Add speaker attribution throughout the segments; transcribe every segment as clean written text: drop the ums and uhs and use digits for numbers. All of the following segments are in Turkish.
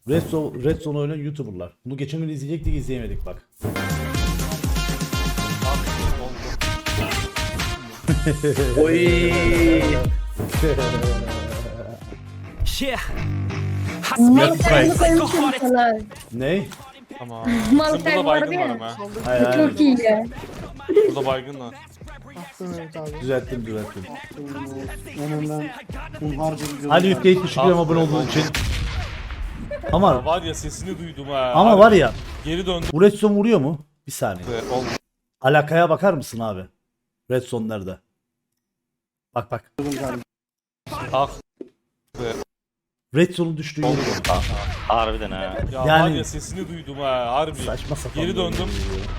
Speaker 1: Red Zone oynayan YouTuber'lar. Bunu geçen gün izleyecektik, izleyemedik bak.
Speaker 2: Oy.
Speaker 3: Malkay'ı koymuşum sana.
Speaker 1: Ney?
Speaker 4: Tamam.
Speaker 3: Malkay
Speaker 4: Burada
Speaker 3: vardı
Speaker 4: baygın var
Speaker 3: ya.
Speaker 4: ama.
Speaker 1: Hayır hayır.
Speaker 3: Çok iyi ya.
Speaker 4: Burada baygın var.
Speaker 1: Düzelttim.
Speaker 5: Önümden hunharca bir
Speaker 1: Ali Yükleyip teşekkür ederim abone olduğun için. Ama
Speaker 4: Var ya sesini duydum ha.
Speaker 1: ama
Speaker 4: Harbi
Speaker 1: var ya,
Speaker 4: Geri döndü.
Speaker 1: bu Red Zone vuruyor mu? Bir saniye.
Speaker 4: Oldu.
Speaker 1: Alakaya bakar mısın abi? Red Zone nerede? Bak.
Speaker 4: Ah.
Speaker 1: Red Zone'un düştüğü yeri bak.
Speaker 2: Harbiden ha.
Speaker 4: Ya
Speaker 1: Yani-
Speaker 4: var ya sesini duydum ha. Harbi.
Speaker 1: Saçma sapan.
Speaker 4: Geri döndüm.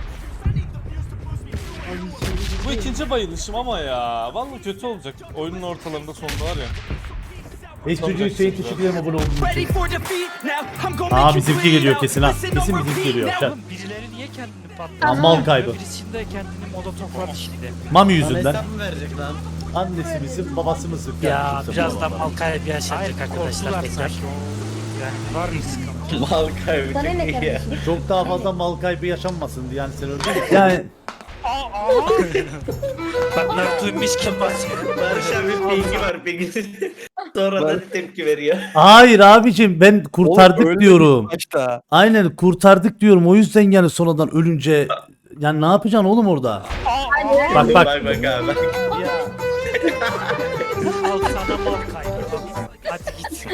Speaker 4: Bu ikinci bayılışım ama ya. Vallahi kötü olacak. Oyunun ortalarında sonunda var ya.
Speaker 1: Estucu Hüseyin teşekkür ederim abone olduğun
Speaker 6: Ready
Speaker 1: için.
Speaker 6: for defeat now. I'm gonna
Speaker 1: Aa,
Speaker 6: make you
Speaker 1: bizimki
Speaker 6: bleed
Speaker 1: geliyor
Speaker 6: out.
Speaker 1: kesin ha.
Speaker 6: Listen, no
Speaker 1: Kesin
Speaker 6: more
Speaker 1: bizimki
Speaker 6: repeat
Speaker 1: geliyor.
Speaker 6: now.
Speaker 1: Çak.
Speaker 7: Birileri niye kendini
Speaker 1: Lan
Speaker 7: patlıyor?
Speaker 1: mal kaybı.
Speaker 7: Birisinde kendini molotofladı şimdi.
Speaker 1: Mami yüzünden. Annesi misin, babası mısın?
Speaker 7: Ya
Speaker 1: Kimse
Speaker 7: birazdan
Speaker 1: bulamam.
Speaker 7: mal kaybı yaşayacak arkadaşlar tekrar. Yani var mı sıkıntı?
Speaker 2: Mal kaybı
Speaker 3: Sana ne
Speaker 2: çok iyi ya.
Speaker 3: kardeşim?
Speaker 1: Çok daha fazla mal kaybı yaşanmasın diye yani sen öldün. Yani
Speaker 7: Bak ne duymuş kim basıyor?
Speaker 2: Barış abi bilgi var bilgi. Sonradan tepki veriyor.
Speaker 1: hayır abicim, ben kurtardık diyorum.
Speaker 5: Başta.
Speaker 1: Aynen kurtardık diyorum. O yüzden yani sonradan ölünce yani ne yapacaksın oğlum orada? Bak
Speaker 2: Bak abi.
Speaker 7: Al sana mal kaybı. Hadi git.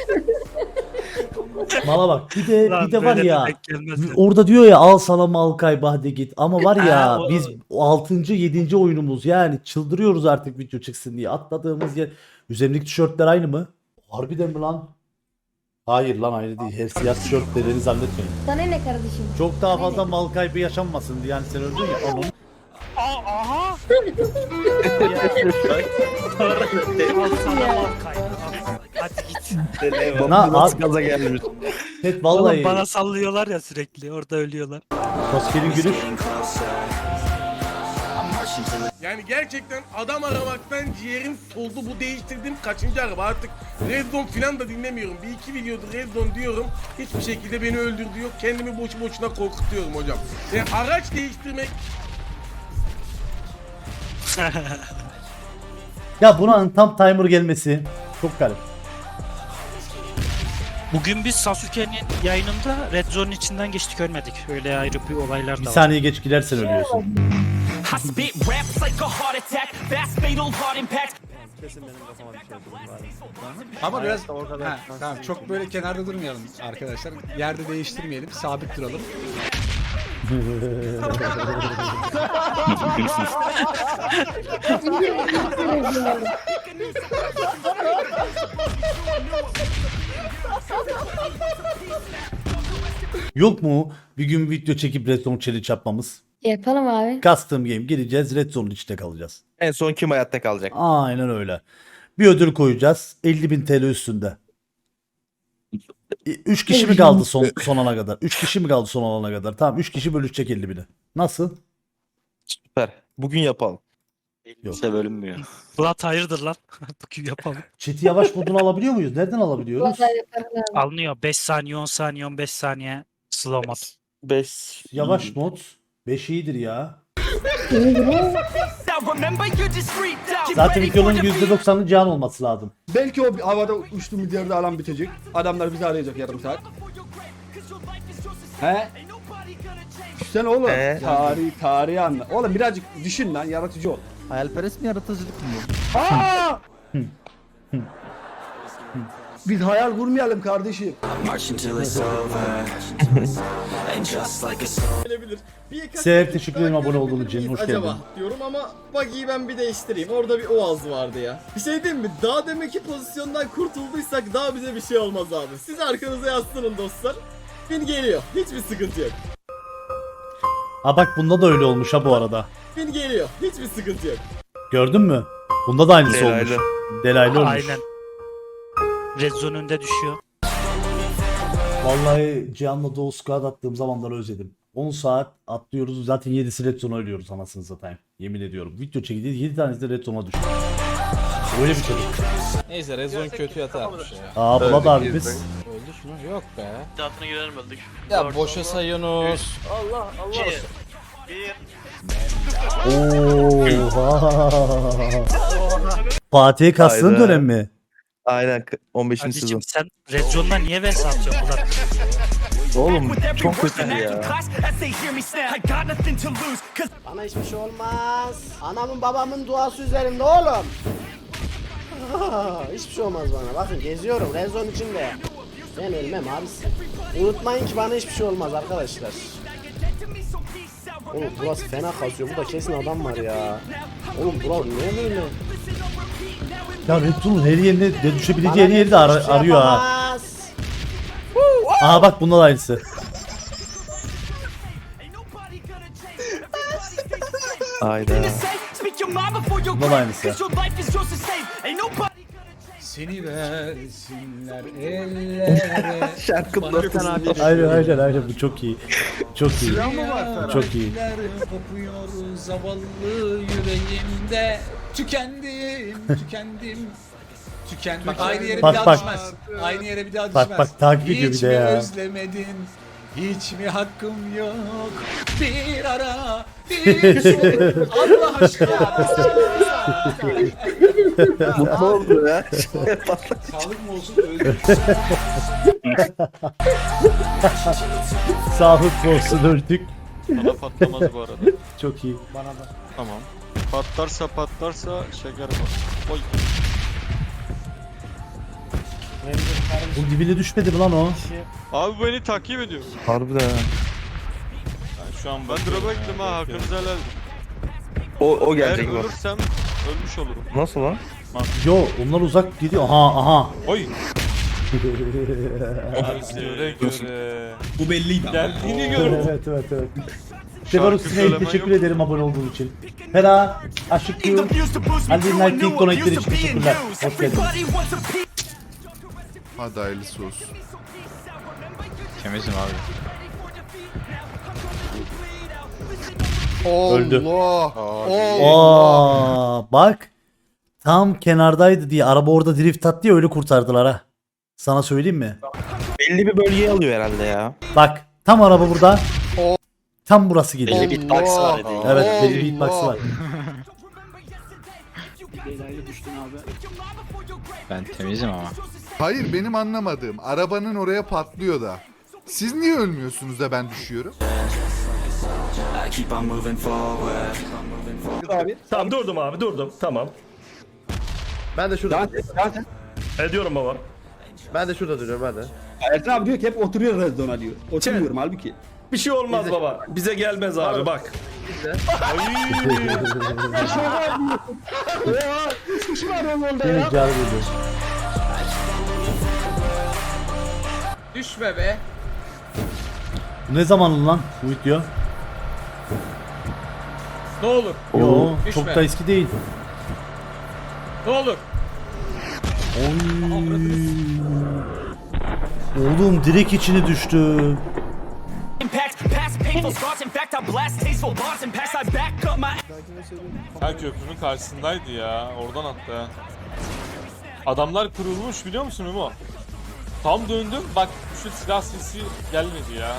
Speaker 1: Mala bak. Bir de var
Speaker 7: Böyle
Speaker 1: ya.
Speaker 7: denk gelmez ya.
Speaker 1: Orada diyor ya al sana mal kaybı hadi git. Ama var ya
Speaker 7: Ha, o-
Speaker 1: biz 6. 7. oyunumuz yani çıldırıyoruz artık video çıksın diye. Atladığımız yer. Üzerimdeki tişörtler aynı mı? Harbiden mi lan? Hayır lan aynı değil. Her siyah tişört dediğini zannetmeyin.
Speaker 3: Sana ne kardeşim?
Speaker 1: Çok daha fazla mal kaybı yaşanmasın diye yani sen öldün ya. Onun.
Speaker 7: Al sana mal kaybı. Hadi git.
Speaker 5: Nasıl gaza gelmiş.
Speaker 1: Evet
Speaker 7: Oğlum
Speaker 1: vallahi.
Speaker 7: bana sallıyorlar ya sürekli. Orada ölüyorlar.
Speaker 1: Koskerin gülüş.
Speaker 8: Yani gerçekten adam aramaktan ciğerim soldu. Bu değiştirdiğim kaçıncı araba, artık Red Zone falan da dinlemiyorum. Bir iki videodur Red Zone diyorum. Hiçbir şekilde beni öldürdü yok. Kendimi boşu boşuna korkutuyorum hocam. Yani araç değiştirmek
Speaker 1: Ya buna tam timer gelmesi çok garip.
Speaker 7: Bugün biz Sasuke'nin yayınında Red Zone'un içinden geçtik ölmedik. Öyle ayrı bir olaylar
Speaker 1: Bir
Speaker 7: da var.
Speaker 1: saniye geç gidersen ölüyorsun.
Speaker 6: I spit raps like a heart attack. Fast fatal heart impact.
Speaker 9: Ama biraz tamam çok böyle kenarda durmayalım arkadaşlar. Yerde değiştirmeyelim, sabit duralım.
Speaker 1: Yok mu bir gün video çekip Red Zone challenge yapmamız?
Speaker 3: Yapalım abi.
Speaker 1: Custom game gireceğiz, Red Zone'un içinde kalacağız.
Speaker 2: En son kim hayatta kalacak?
Speaker 1: Aynen öyle. Bir ödül koyacağız. 50.000 TL üstünde. 3 kişi mi kaldı son ana kadar? 3 kişi mi kaldı son ana kadar? Tamam 3 kişi bölüşecek 50.000'i. Nasıl?
Speaker 2: Süper. Bugün yapalım.
Speaker 1: Yok.
Speaker 2: İşte bölünmüyor.
Speaker 7: Bulat hayırdır lan? Bugün yapalım.
Speaker 1: Chat'i yavaş modunu alabiliyor muyuz? Nereden alabiliyoruz?
Speaker 3: Vallahi yaparım abi.
Speaker 7: Alınıyor. 5 saniye, 10 saniye, 15 saniye slow mod.
Speaker 2: 5.
Speaker 1: Yavaş mod. 5 iyidir ya.
Speaker 6: Now remember you just freaked out.
Speaker 1: Zaten
Speaker 6: Ready for
Speaker 1: videonun
Speaker 6: defeat.
Speaker 1: %90'ı can olması lazım.
Speaker 5: Belki o havada uçtu milyarda alan bitecek. Adamlar bizi arayacak yarım saat. He? Düşsene oğlum. Tarihi anla. Oğlum birazcık düşün lan, yaratıcı ol.
Speaker 9: Hayalperest mi, yaratıcılık mı?
Speaker 5: Aa! Biz hayal kurmayalım kardeşim.
Speaker 1: Seher teşekkür ederim abone olduğun için. Hoş geldin.
Speaker 10: Acaba diyorum ama buggy'yi ben bir değiştireyim. Orada bir oğaz vardı ya. Bir şey diyeyim mi? Daha demek ki pozisyondan kurtulduysak daha bize bir şey olmaz abi. Siz arkanıza yaslanın dostlar. Bin geliyor. Hiçbir sıkıntı yok.
Speaker 1: Ha bak bunda da öyle olmuş ha bu arada.
Speaker 10: Bin geliyor. Hiçbir sıkıntı yok.
Speaker 1: Gördün mü? Bunda da aynısı
Speaker 2: Delaylı.
Speaker 1: olmuş. Delaylı olmuş.
Speaker 7: Aynen. Red Zone önünde düşüyor.
Speaker 1: Vallahi Cihan'la Doğu Squad attığım zamanları özledim. 10 saat atlıyoruz. Zaten 7'si Red Zone'a ölüyoruz anasını satayım. Yemin ediyorum. Video çekildi 7 tanesi de Red Zone'a düştü. Öyle bir çocuk.
Speaker 4: Neyse Rezon kötü yatarmış ya.
Speaker 1: Aa Bulat abimiz.
Speaker 9: Öldük mü? Yok be.
Speaker 2: Hayatına girelim öldük.
Speaker 9: Ya boşa sayıyorsunuz.
Speaker 2: Allah Allah.
Speaker 1: Oha. Fatih'e kastığın
Speaker 11: Hayda.
Speaker 1: dönem mi?
Speaker 11: Aynen 15. sezon.
Speaker 7: Kardeşim sen Red Zone'da niye vs atıyorsun Murat?
Speaker 11: Oğlum çok kötü ya.
Speaker 6: Class as they hear me snap. I got nothing to lose, 'cause
Speaker 10: Bana hiçbir şey olmaz. Anamın babamın duası üzerimde oğlum. Hiçbir şey olmaz bana. Bakın geziyorum. Rezon içinde. Ben ölmem abisi. Unutmayın ki bana hiçbir şey olmaz arkadaşlar. Oğlum burası fena kasıyor. Burada kesin adam var ya. Oğlum burası niye böyle?
Speaker 1: Ya Red Bull'un her yerine de düşebileceği
Speaker 10: Bana
Speaker 1: her yeri de
Speaker 10: hiçbir şey
Speaker 1: arıyor ha.
Speaker 10: yapamaz.
Speaker 1: Aha bak bunlar aynısı.
Speaker 11: Hayda.
Speaker 6: speak your mind before you
Speaker 1: Bunlar aynısı.
Speaker 6: 'cause your life is yours to save. Ain't nobody
Speaker 9: Seni versinler ellere.
Speaker 11: Şarkının ortasında.
Speaker 1: Aynen bu çok iyi. Çok iyi. Çok iyi.
Speaker 9: Yarenler kopuyor zavallı yüreğimde. Tükendim. Bak aynı yere
Speaker 1: Bak,
Speaker 9: bir daha
Speaker 1: bak.
Speaker 9: düşmez. Aynı yere bir daha
Speaker 1: Bak,
Speaker 9: düşmez.
Speaker 1: bak, takip ediyor bir
Speaker 9: Hiç
Speaker 1: de
Speaker 9: mi
Speaker 1: ya.
Speaker 9: özlemedin? Hiç mi hakkım yok? Bir ara, bir sor. Allah aşkına.
Speaker 11: Mutlu oldu ya.
Speaker 9: Sağlık mı olsun öldüm.
Speaker 1: Sağlık olsun öldük.
Speaker 4: Bana patlamaz bu arada.
Speaker 1: Çok iyi.
Speaker 4: Tamam. Patlarsa şeker var. Oy.
Speaker 1: Bu dibine düşmedi mi lan o?
Speaker 4: Abi beni takip ediyor.
Speaker 11: Harbiden ha.
Speaker 4: Yani şu an ben drop'a gittim ha, hakkınızı helal edin.
Speaker 11: O
Speaker 4: Eğer
Speaker 11: gelecek bak.
Speaker 4: ölürsem ölmüş olurum.
Speaker 11: Nasıl lan?
Speaker 1: Yo onlar uzak gidiyor. Aha.
Speaker 4: Oy. göre.
Speaker 2: Bu belliydi ama.
Speaker 4: Geldiğini gördüm.
Speaker 1: evet. Severus Snake
Speaker 4: söylemen
Speaker 1: teşekkür
Speaker 4: yok.
Speaker 1: ederim abone olduğun için. Hera, Aşık Q,
Speaker 6: used to boost me
Speaker 1: Ali
Speaker 6: through a
Speaker 1: Knight
Speaker 6: new
Speaker 1: ilk
Speaker 6: one,
Speaker 1: donatleri
Speaker 6: used
Speaker 1: için
Speaker 6: to being
Speaker 1: teşekkürler.
Speaker 6: used.
Speaker 1: Hoş geldiniz.
Speaker 6: Everybody wants a piece.
Speaker 5: Hadi hayırlısı olsun.
Speaker 9: Temizim abi.
Speaker 1: Öldü.
Speaker 5: Allah.
Speaker 1: Aa, bak. Tam kenardaydı diye araba orada drift attı ya öyle kurtardılar ha. Sana söyleyeyim mi?
Speaker 11: Belli bir bölgeyi alıyor herhalde ya.
Speaker 1: Bak tam araba burada. Tam burası geliyor.
Speaker 10: Bir box var dedi.
Speaker 1: Evet belli bir hitbox'ı var.
Speaker 9: Ben temizim ama.
Speaker 5: Hayır benim anlamadığım arabanın oraya patlıyor da. Siz niye ölmüyorsunuz da ben düşüyorum?
Speaker 2: Tamam durdum abi durdum. Tamam.
Speaker 10: Ben de şurada.
Speaker 2: Ediyorum baba.
Speaker 10: Ben de şurada duruyorum hadi.
Speaker 5: Ertan abi diyor ki hep oturuyor Rezon'a diyor. Oturmuyorum halbuki.
Speaker 2: Bir şey olmaz baba. Bize gelmez abi bak.
Speaker 1: Beni icabı ediyor.
Speaker 9: Düşme be.
Speaker 1: Bu ne zamanlı lan bu video?
Speaker 9: Ne olur.
Speaker 1: Yo
Speaker 9: Düşme.
Speaker 1: çok da eski değil.
Speaker 9: Ne olur.
Speaker 1: Oğlum direkt içine düştü.
Speaker 6: Impact, past painful scars. In fact, I blast tasteful bars and pass. I back up my.
Speaker 4: Ha köprünün karşısındaydı ya. Oradan attı ha. Adamlar kırılmış biliyor musun Memo? Tam döndüm bak şu silah sesi gelmedi ya.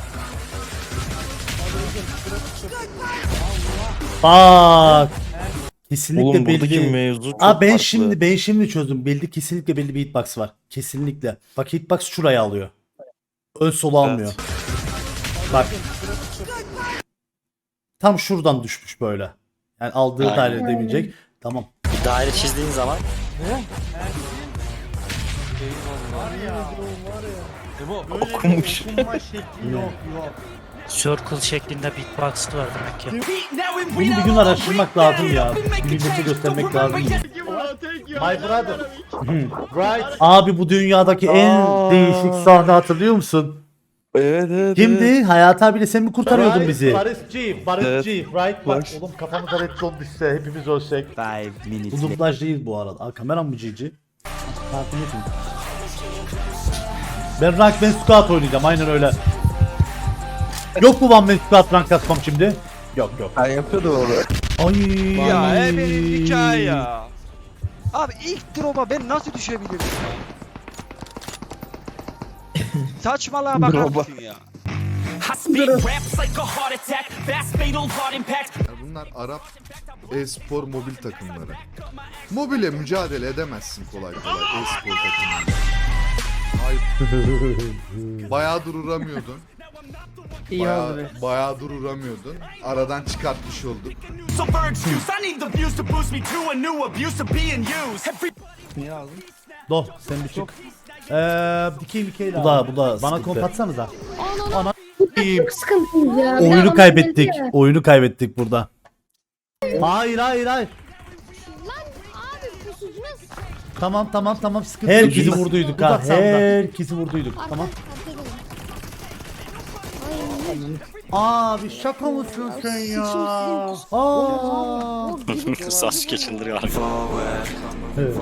Speaker 1: Bak. Kesinlikle
Speaker 11: Oğlum buradaki
Speaker 1: belli.
Speaker 11: mevzu çok
Speaker 1: Aa ben
Speaker 11: farklı.
Speaker 1: şimdi çözdüm. Belli kesinlikle belli bir hitbox var. Kesinlikle. Bak hitbox şuraya alıyor. Ön solu almıyor. Bak. Tam şuradan düşmüş böyle. Yani aldığı daire demeyecek. Tamam.
Speaker 7: Bir daire çizdiğin zaman
Speaker 4: Memo
Speaker 11: Okumuş.
Speaker 7: circle şeklinde beatbox var demek ki.
Speaker 6: Now in
Speaker 1: Bunu bir gün araştırmak lazım ya. Bir millete göstermek lazım. My brother. Right. Abi bu dünyadaki en değişik sahne hatırlıyor musun?
Speaker 11: Evet.
Speaker 1: Kimdi? Hayat abiyle sen mi kurtarıyordun bizi?
Speaker 5: Barış G,
Speaker 11: Evet.
Speaker 5: right? Bak
Speaker 11: Barış.
Speaker 5: oğlum kafamıza red zone düşse hepimiz ölsek.
Speaker 1: Bu dublaj değil bu arada. Aa, kameram mı cici? Takip etin. Ben rank ben squat oynayacağım aynen öyle. Yok mu ben squat rank kasmam şimdi? Yok.
Speaker 11: Ben yapıyordum onu.
Speaker 1: Ay.
Speaker 9: Ya benim hikaye ya.
Speaker 10: Abi, Abi ilk drop'a ben nasıl düşebilirim?
Speaker 9: Saçmalığa bakar mısın ya?
Speaker 6: I speak raps like a heart attack, fast fatal heart impact.
Speaker 12: Bunlar Arap e-spor mobil takımları. Mobile mücadele edemezsin kolay kolay e-spor takımları. Bayağıdır uğramıyordun. Bayağıdır uğramıyordun. Aradan çıkartmış olduk.
Speaker 6: So for excuse, I need the views to boost me to a new abuse of being used. Every
Speaker 5: Niye aldın?
Speaker 1: Doh sen bir çık. Dikey bu da bana
Speaker 5: sıkıntı.
Speaker 1: komp atsanıza. Ana
Speaker 3: Çok sıkıntıyız ya. Bir daha
Speaker 1: oyunu
Speaker 3: bana
Speaker 1: kaybettik.
Speaker 3: geldi ya.
Speaker 1: Oyunu kaybettik burada. Hayır. Tamam sıkıntı yok. Herkesi vurduyduk ha. Herkesi vurduyduk. Tamam. Abi şaka mısın sen ya? Aa.
Speaker 7: Sasuke çıldırıyor.
Speaker 1: Evet.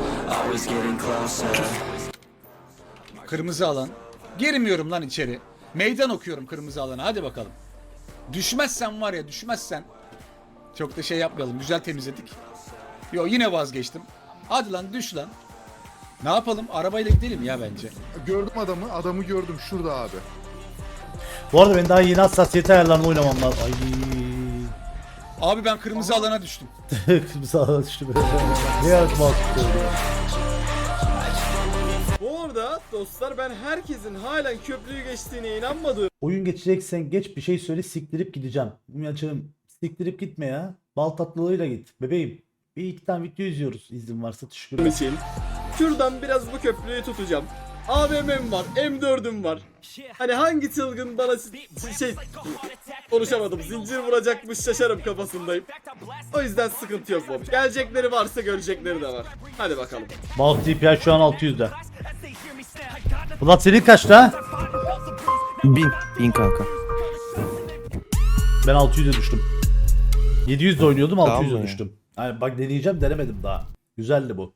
Speaker 9: Kırmızı alan. Girmiyorum lan içeri. Meydan okuyorum kırmızı alana. Hadi bakalım. Düşmezsen var ya, düşmezsen. Çok da şey yapmayalım. Güzel temizledik. Yo, yine vazgeçtim. Hadi lan düş lan. Ne yapalım? Arabayla gidelim ya bence.
Speaker 12: Gördüm adamı gördüm şurada abi.
Speaker 1: Bu arada ben daha yeni hassasiyet ayarlarını oynamam lazım. Ay.
Speaker 9: Abi ben kırmızı alana düştüm.
Speaker 1: Kırmızı alana düştüm. Ne yazma
Speaker 10: Bu arada dostlar ben herkesin halen köprüyü geçtiğine inanmadığım
Speaker 1: Oyun geçeceksen geç bir şey söyle siktirip gideceğim. Açığım siktirip gitme ya. Bal tatlılığıyla git. Bebeğim. Bir iki tane video izliyoruz. İzin varsa teşekkür ederim.
Speaker 10: için şuradan biraz bu köprüyü tutacağım. AVM'm var, M4'üm var. Hani hangi çılgın bana konuşamadım. Zincir vuracakmış şaşarım kafasındayım. O yüzden sıkıntı yok Bob. Gelecekleri varsa görecekleri de var. Hadi bakalım.
Speaker 1: Bal TPI şu an 600'de. Bulat senin kaçta?
Speaker 11: 1000 kanka.
Speaker 1: Ben 600'e düştüm. 700'de oynuyordum
Speaker 11: Tamam
Speaker 1: 600'e
Speaker 11: mı?
Speaker 1: düştüm. Yani bak deneyeceğim denemedim daha. Güzeldi bu.